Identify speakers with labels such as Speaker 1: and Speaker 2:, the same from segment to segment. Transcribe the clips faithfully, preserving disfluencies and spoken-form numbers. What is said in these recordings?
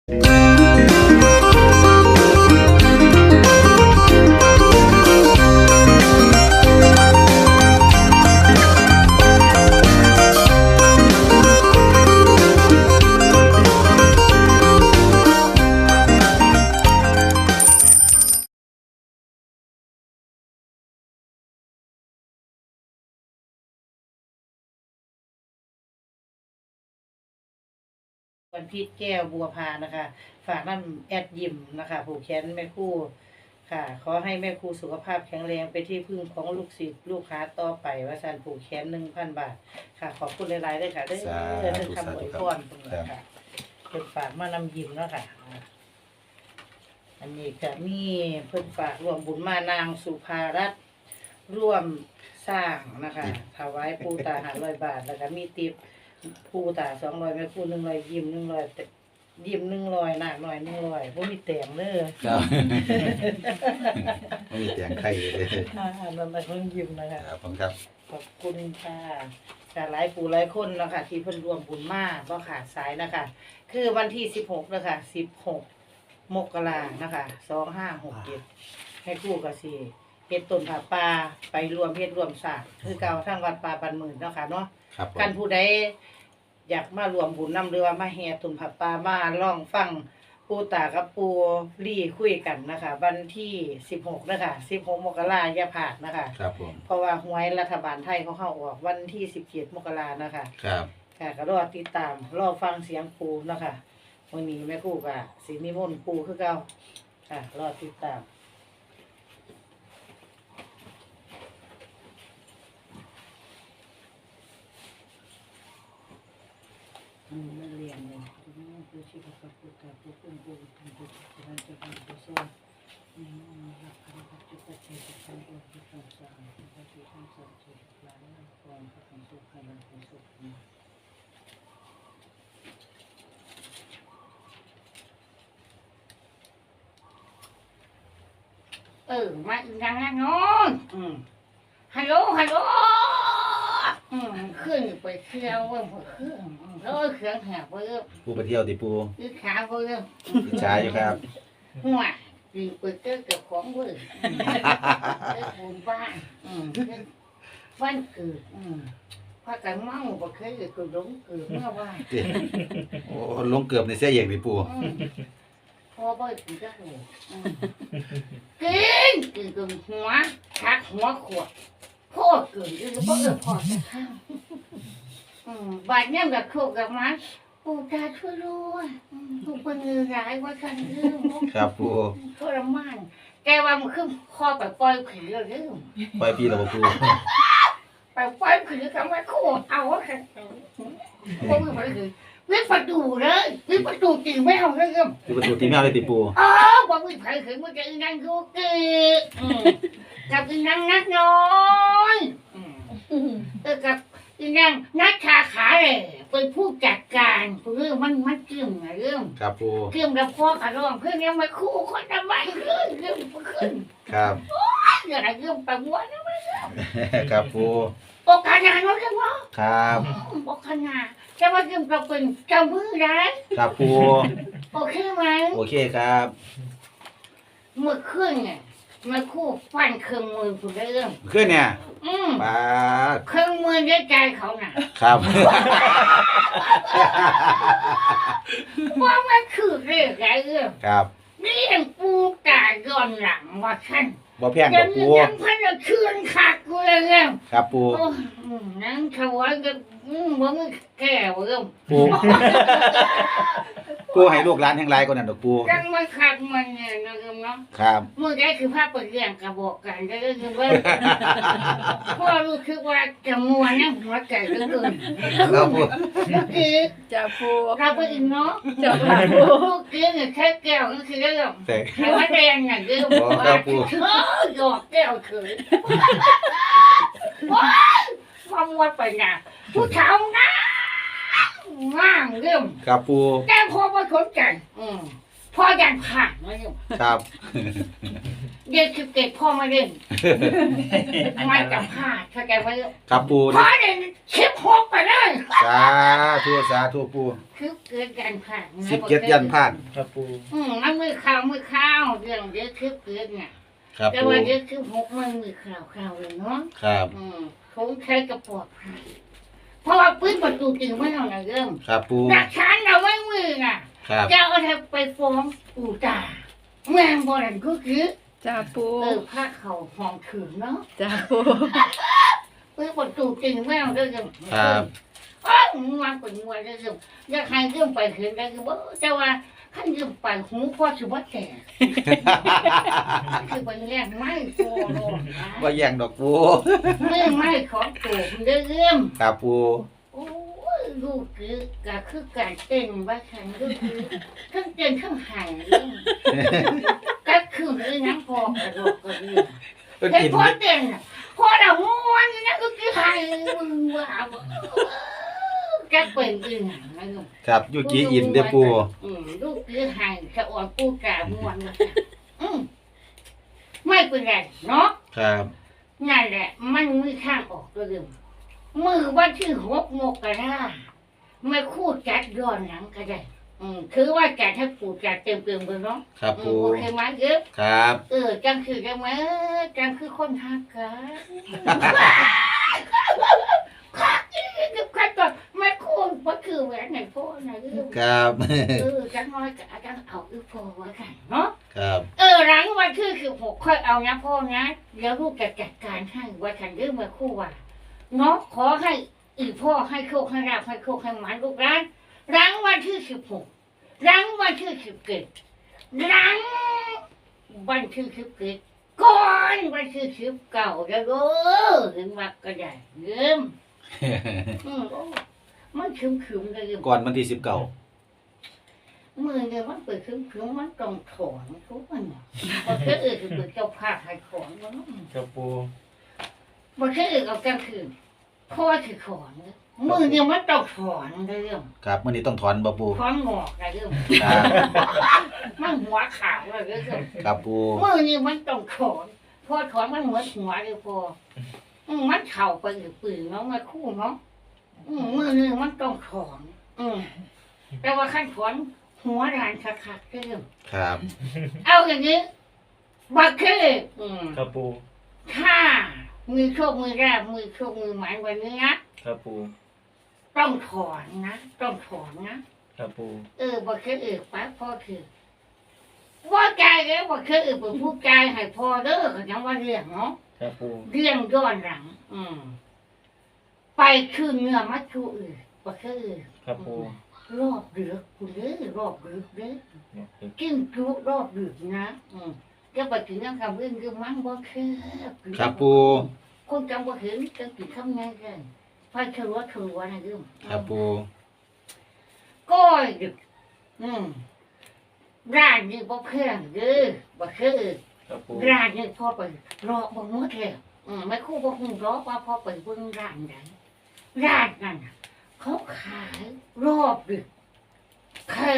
Speaker 1: วันพีชแก้วบัวพานะคะฝากน้ำแอดยิมนะคะผูกแขนแม่ครู่ค่ะขอให้แม่ครู่สุขภาพแข็งแรงไปที่พึ่งของลูกศิษย์ลูกค้าต่อไปว่าสันผูกแขนหนึ่งพันบาทค่ะขอบคุณหลายๆด้วยค่ะได้เรื่องคำอวยพรตรงนี้ค่ะเพิ่นฝากมานำยิมแล้วค่ะอันนี้ก็มีเพิ่นฝากรวมบุญมานางสุภารัตน์ร่วมสร้างนะคะถวายปูตาหาร้อยบาทแล้วก็มีติบปูตาสองร้อยแม่ครู่หนึ่งร้อยยิมหนึ่งร้อยยิมหนึ่งร้อยหนักหน่อยหนึ่งร้อยพวกมีแต่งเลย
Speaker 2: ครับไม่มีเสียงใครเลย
Speaker 1: อ่ามันมาเพิ่งยิมนะคะ
Speaker 2: ครับผมครับ
Speaker 1: ขอบคุณค่ะการหลายปู่หลายคนนะคะที่เพิ่นรวมบุญมาบ่ขาดสายนะคะคือวันที่สิบหกนะคะสิบหกมกรานะคะสองห้าหกเจ็ดให้คู่กับสี่เฮ็ดต้นผาป่าไปรวมเฮ็ดรวมสร้างคือเก่าทั้งวัดป่าบันหมื่นเนาะค่ะเนาะกันผู้ใดอยากมารวมบุญนำหรือว่ามาแห่ตุนผับปลามาล่องฟังปูตากับปูลี่คุยกันนะคะวันที่สิบหกนะคะสิบหกมกราอย่าผ่านนะคะ
Speaker 2: ครับผม
Speaker 1: เพราะว่าหวยรัฐบาลไทยเขาเข้าออกวันที่สิบเจ็ดมกรานะคะ
Speaker 2: ครับ
Speaker 1: ค่ะก็รอติดตามรอฟังเสียงปูนะคะวันนี้แม่ครูก็สินิมนต์ปูคือเก่าค่ะรอติดตามอืมไม่เรียนเลยผู้ชีพกับผู้ตาผู้คนผู้ทำผู้ทำจะทำผู้สอนนี่มันรักกันกับจุดเชื่อมกันด้วยที่ต้องสร้างที่ต้องที่ต้องสร้างที่หลายก่อนก็ต้องสุขให้เราเป็นสุขเออมาอีกอย่างนั้นน้องอืมฮัลโหลฮัลโหลอืมขึ้นไปเที่ยวว่าขึ้นแล้วเครื่องแหบเพิ่ม
Speaker 2: ปูไปเที่ยวดิปู
Speaker 1: คือขาเพิ่ม
Speaker 2: อิจฉาอยู่ครับ
Speaker 1: หัวดีไปเจอกับของเพิ่มเจอบุญบ้านอืมบ้านเกิดอืมพากันเมาบ่เคยเกิดก็หลงเกิดเมื่อวาน
Speaker 2: โอ้ลงเกือบในเสียอย่างดิปู
Speaker 1: พอบ่ถึงจะโหกินกินจนหัวชักหัวขวดพ่อเกิดอยู่บ่เออพ่อจะข้าวอืมบาดเนี่ยกับโคกกับมันปูตาช่วยด้วยปูเป็นเงือร้ายว่าฉันเรื่อง
Speaker 2: ครับปู
Speaker 1: ทรมานแกว่ามันขึ้นคอไปปล่อยผีแล้วเรื่อง
Speaker 2: ปล่อยพี่เราปู
Speaker 1: ไปปล่อยผีคำว่าโคตรเอาว่าค่ะพวกมึงไปคือวิประตูเลยวิประตูตีแมวเลยครับ
Speaker 2: วิประตูตีแมวเลยติปู
Speaker 1: อ๋อบอกวิไปคือมันจะนั่งดูเกะกับนั่งนักน้อยเออกับนั่งนักขาขาเลยเป็นผู้จัดการเรื่องมันมันเกี่ยงเรื่อง
Speaker 2: ครับปู
Speaker 1: เกี่ยงกับพ่อกับร้องเพื่อนยังมาคู่คนทำไมขึ้นเรื่องขึ้น
Speaker 2: ครับ
Speaker 1: โอ้ยอะไรเรื่องประมวลนะมัน
Speaker 2: ครับปู
Speaker 1: โอกาสงานว่าเรื่องว่า
Speaker 2: ครับ
Speaker 1: โอกาสงานจะมาเรื่องประเป็นเจ้ามือได้
Speaker 2: ครับปู
Speaker 1: โอเคไหม
Speaker 2: โอเคครับ
Speaker 1: เมื่อคืนเนี่ยมาคู่ฟันเครื่องมือคุณได้เรื่อง
Speaker 2: ขึ้นเนี่ย
Speaker 1: อืม
Speaker 2: ปา
Speaker 1: เครื่องมือได้ใจเขาน่ะ
Speaker 2: ครับ
Speaker 1: ว่ามันคือเรื่องอะไรเรื่อง
Speaker 2: ครับ
Speaker 1: เรื่องปูตาย้อนหลังว่าฉัน
Speaker 2: บ่แพงกับปู
Speaker 1: ยังพันเคืนขาดกูเลยเรื่อง
Speaker 2: ครับปู
Speaker 1: นั่งถวายกับมึงแก่เรื่อง
Speaker 2: ปูปูให้ลูกหลานแห่งไรก่อนนั่นดอกปู
Speaker 1: จังมันขาดมันเนี่ยนะเรื่องเนาะ
Speaker 2: ครับ
Speaker 1: มึงได้คือภาพเปิดเรื่องกระบอกกันก็คือว่าพ่อรู้คือว่าจะมัวนั่งหัวใจเรื่องอื่น
Speaker 2: ครับปู
Speaker 1: คือ
Speaker 3: จะปู
Speaker 1: เราไปอีกเนาะ
Speaker 3: จะปู
Speaker 1: เรื่องเนี่ยแค่แก้วก็คือเรื่องใครว่าแดงอย่างเรื่องว่าหยอกแก้วเขยว่ามัวไปนะผู้ชายนะง่างเรื่อง
Speaker 2: ครับปู
Speaker 1: แก้พอมาสนใจอืม
Speaker 3: พ่อยันผ่านมาอยู่
Speaker 2: ครับ
Speaker 3: เด็กคือเก็บพ่อมาเล่นมันจะพลาดเข้าใจไหม
Speaker 2: ครับปู
Speaker 3: พ่อเล่นชิบหกไปเลย
Speaker 2: สาธุสาธุปู
Speaker 3: คือเกิดยันผ่าน
Speaker 2: สิบเจ็ดยันผ่าน
Speaker 4: ครับปู
Speaker 3: อืมมันมือข้าวมือข้าวเรื่องเด็กคือเกิดเนี่ย
Speaker 2: ครับ
Speaker 3: แต่
Speaker 2: ปู
Speaker 3: ว่าเด็กคือหกมันมือข้าวข้าวเลยเนาะ
Speaker 2: ครับ
Speaker 3: อืมคงใช้กระปอดภัยเพราะว่าปืนประตูจริงไม่เอาไหนเริ่ม
Speaker 2: ครับปู
Speaker 3: หลักฐานเราไม่มือน่ะ
Speaker 2: ครับ
Speaker 3: จะเอาทไปฟ้องปู่ตาแม่งบ่นั่นก็คือ
Speaker 5: จ้าปู
Speaker 3: เออพาเขาห้องถึงเนาะ
Speaker 5: จ้าปู
Speaker 3: ปืนประตูจริงไม่เอาเรื่อง
Speaker 2: ครับ
Speaker 3: อ้าวงวงเป็นงวงเรื่องอยากให้เรื่องไปเห็นได้คือว่าแต่ว่าขั้นเรื่องไปหูพ่อชิว่าแก่คือเป็นแรกไม่โตโลดนะ
Speaker 2: ว่าแย่งดอกปู
Speaker 3: ไม่ไม่ของตัวคุณเรื่อง
Speaker 2: ครับปู
Speaker 3: โอ้ยลูกคือก็คือการเต้นว่าฉันก็คือทั้งเต้นทั้งหายเรื่องก็คือเรื่องน้ำพอกระโดดกระเดื่อง
Speaker 2: เพิ่น
Speaker 3: เห็น
Speaker 2: กิน
Speaker 3: พ่อเต้นน่ะพ่อเราม้วนนี่นะก็คือหายมึงว่าก็เป็นเรื่องนะลูก
Speaker 2: ครับยูกิอินเด้อปู
Speaker 3: อืมลูกคือหายสะอ่อนปูกาม้วนนะอืมไม่เป็นไรเนาะ
Speaker 2: ครับ
Speaker 3: นั่นแหละ มันมีข้างออกตัวเดิมมือวันที่หกโมกราไม่คู่จัดย้อนหลังก็ได้ อืมคือว่าจัดให้ปู่จัดเต็มเต็มๆเลยเนาะ
Speaker 2: ครับ
Speaker 3: อื
Speaker 2: ปู
Speaker 3: มโอเคไหมเยอะ
Speaker 2: ครับ
Speaker 3: เออจังคือจังไหมจังคือคนหักกันคักอีกคักก็ไม่คู่ก็คือแหวนไหนพ่อนะเออ
Speaker 2: ครับ
Speaker 3: เออจังน้อยกับจังเอาอีพ่อไว้กันเนาะ
Speaker 2: ครับ
Speaker 3: เออหลังวันที่สิบหกค่อยเอานะพ่อนะแล้วลูกจะจัดการให้ว่าฉันเรื่องมาคู่ว่าเนาะขอให้อีพ่อให้โชคให้ราบให้โชคให้หมันลูกร้านหลังวันที่สิบหกหลังวันที่สิบเจ็ดหลังวันที่สิบเจ็ดก่อนวันที่สิบเก้าแล้วเด้อเห็นว่าก็ได้เริ่มอืมโอ้มันคึมคึมๆเลยเริ่ม
Speaker 2: ก่อนวันที่สิบเก้า
Speaker 3: มือเนี่ยมันเปิดคึมคึมๆมันต้องถอนทุกมันเนาะเพราะแค่เออคือเปิดเจ้าภาพให้ถอนมันเนาะ
Speaker 4: ครับปู
Speaker 3: บางทีเอากลางคืนพ่อถือถอนมือเนี่ยมันต้องถอนในเรื่อง
Speaker 2: ครับมื้อนี้ต้องถอนบ่ปู
Speaker 3: ถอนงอกในเรื่อง
Speaker 2: ครับ
Speaker 3: มันหัวขาวในเรื่อง
Speaker 2: ครับปู
Speaker 3: มือเนี่ยมันต้องถอนพอถอนมันเหมือนหัวเลยพออืมมันเข่าไปหรือปืนเนาะมาคู่เนาะอืมมือเนี่ยมันต้องถอน อืมแต่ว่าขั้นถอนหัวรานคักๆเรื่อง
Speaker 2: ครับ
Speaker 3: เอาอย่างนี้บางทีอืม
Speaker 4: ครับปู
Speaker 3: ถ้ามือโชคมือแรกมือโชคมือหมายวันนี้นะ
Speaker 4: ครับปู
Speaker 3: ต้องถอนนะต้องถอนนะครับ
Speaker 4: ปู
Speaker 3: เออบอกเคยเออป้าพ่อคือว่าใจแล้วบอกเคยเออเป็นผู้ใจให้พ่อเด้อเขายังว่าเรื่องเนาะ
Speaker 4: ครับปู
Speaker 3: เรื่องย้อนหลัง อืมไปคืนเนื้อมัดชูอื่นบอกเคยเออ
Speaker 4: ครับปู
Speaker 3: รอบเดือกคุณเด้อรอบเดือกเด้อ
Speaker 4: เนี่ย
Speaker 3: กินจุรอบเดือกนะอืมจะไปถึงนั่งคำเรื่องคือมันบ่เคย
Speaker 2: ครับปู
Speaker 3: คนจำบ่เห็นจังกินคำไงกันไฟเฉลัวเฉลัวนะเรื่อง
Speaker 2: ครับปู
Speaker 3: ก้อยดึกอืมร้านนี้บ่แพงเด้อบ่คือ
Speaker 4: ครับปู
Speaker 3: ร้านนี้พ่อไปรอบ่หมดแล้วอืมไม่ครู่บ่ฮู้รอว่าพ่อไปเบิ่งร้านใดร้านนั้นน่ะเขาขายรอบดึกแค่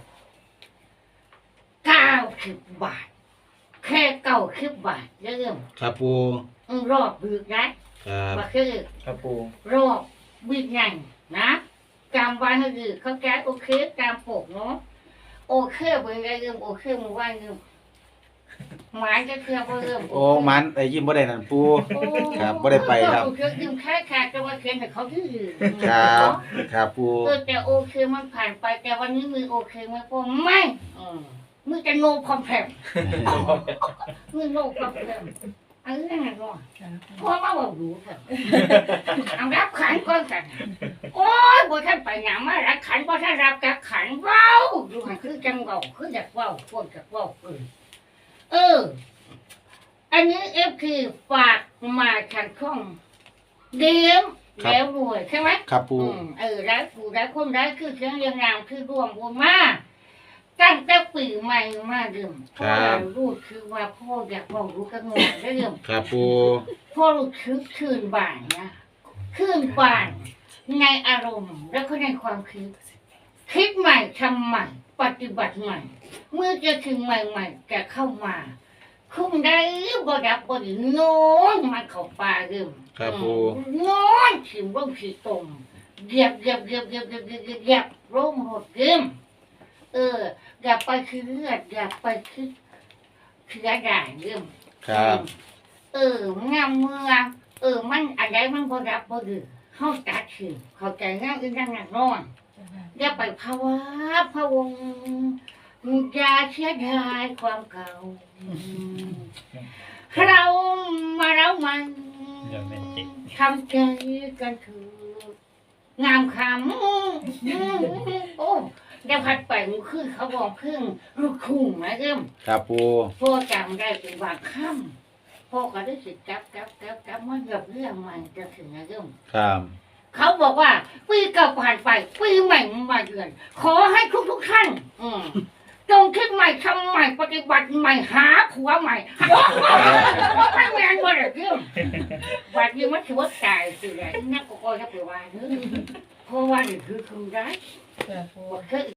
Speaker 3: เก้าสิบบาท แค่เก้าสิบบาทเด้อ
Speaker 2: ครับปู
Speaker 3: อืมรอบดึกนะครับ บ่คือ
Speaker 4: ครับปู
Speaker 3: รอบวิ่งไงนะจำไว้ให้ดีเขาแก้โอเคตามปกเนาะโอเคเป็นไงเริ่มโอเคมึงว่าเริ่มหมายจะเคลียร์บ่เริ่ม
Speaker 2: โอ้มันไอ้ยิ้มบ่ได้นั่นปู
Speaker 3: โอ้
Speaker 2: ครับบ่ได้ไปครับ
Speaker 3: โอเคยืมแค่ขาดแต่ว่าเขียนให้เขาที่อื่น
Speaker 2: ครับ ครับปู
Speaker 3: เออแต่โอเคมันผ่านไปแต่วันนี้มือโอเคไหมพ่อไม่อืมมือจะโง่คอมแพมมือโง่คอมแพมอันนี้ไงก่อนพ่อมาบอกรู้เถอะเอารับขันก่อนกัน โอ้ยบ่ท่านไปหยังมารับขันบ่ท่านรับกับขันเว้าดูหันคือจังเว้าคืออยากเว้าพวกอยากเว้าเออเออ อันนี้เอฟคือฝากมาทางช่องเดียมแล้วรวยใช่ไหม
Speaker 2: ครับปู
Speaker 3: อืมเออแล้วผู้ได้คนได้คือเชียงเรียงนามคือรวมบุญมาตั้งแต่ปีใหม่มาเดิมพ่อรู้คือว่าพ่ออยากเว้ารู้กันหมดได้เดิม
Speaker 2: ครับปู
Speaker 3: พ่อรู้คือคืนบ่ายนะคืนบ่ายในอารมณ์แล้วก็ในความคิดคิดใหม่ทำใหม่ปฏิบัติใหม่ เมื่อจะถึงใหม่ๆจะเข้ามา คุ้มได้บ่ดับบ่ดีนอนมันเข้าป่าเริ่ม
Speaker 2: ครับปู
Speaker 3: นอนถิ่มร่มขีตมเหยียบเหยียบเหยียบเหยียบเหยียบเหยียบเหยียบเหยียบร่มหดเริ่มเอออย่าไปคือเลือดอย่าไปคือเชื้อด่างเริ่ม
Speaker 2: ครับ
Speaker 3: เอองามเมืองเออมันอะไรมันบ่ดับบ่ดีเฮาตัดถิ่มเข้าใจงามอีนั่งนั่งนอนอย่าไปภาวะพะวงอย่าเสียดายความเก่าเรามาแล้วมันทำใจกันเถือะงามคำโอ้ได้พัดไปมันขึ้นเขาบอกขึ้นลูกคุ้งนะเริ่ม
Speaker 2: ครับปู
Speaker 3: พ่อจำได้เป็นบางคำพ่อก็ได้สิจับจับจับจับมันกับเรื่องมันจะถึงนะเริ่ม
Speaker 2: ครับ
Speaker 3: เขาบอกว่าปีเก่าผ่านไปปีใหม่มาเยือนขอให้ทุกทุกๆท่านอืมจงคิดใหม่ทำใหม่ปฏิบัติใหม่หาผัวใหม่ว่าไม่แมนบ่ได้เรื่องบัดนี้มันถือว่าตายสิแหละนักก็คอยจะไปว่าเนื้อเพราะว่านี่คือคือได้
Speaker 1: จ้ะปู
Speaker 3: บ่เคย